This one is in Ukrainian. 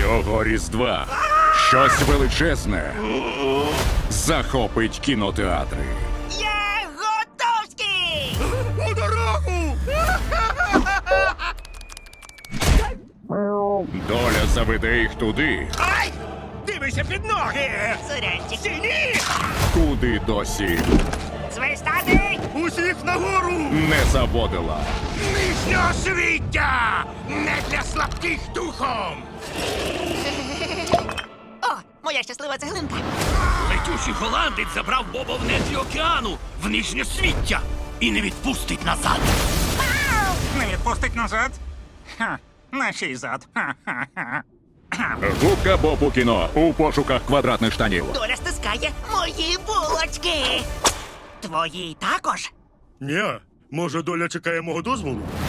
Цього Різдва щось величезне захопить кінотеатри. Я готовський! У дорогу! Доля заведе їх туди, Ай! Дивися під ноги! Сурянчик. Стіні! куди досі Свистати! Усіх нагору! не заводила. Нижнього свіття! Не для слабких духом! О, моя щаслива цеглинка. Летючий голландець забрав Боба в нетрі океану, в нижнє свіття, і не відпустить назад. Не відпустить назад? Ха, на чий зад? Ха-ха-ха. Губка Боб у кіно у пошуках квадратних штанів. Доля стискає мої булочки. Твої також? Ні, може доля чекає мого дозволу?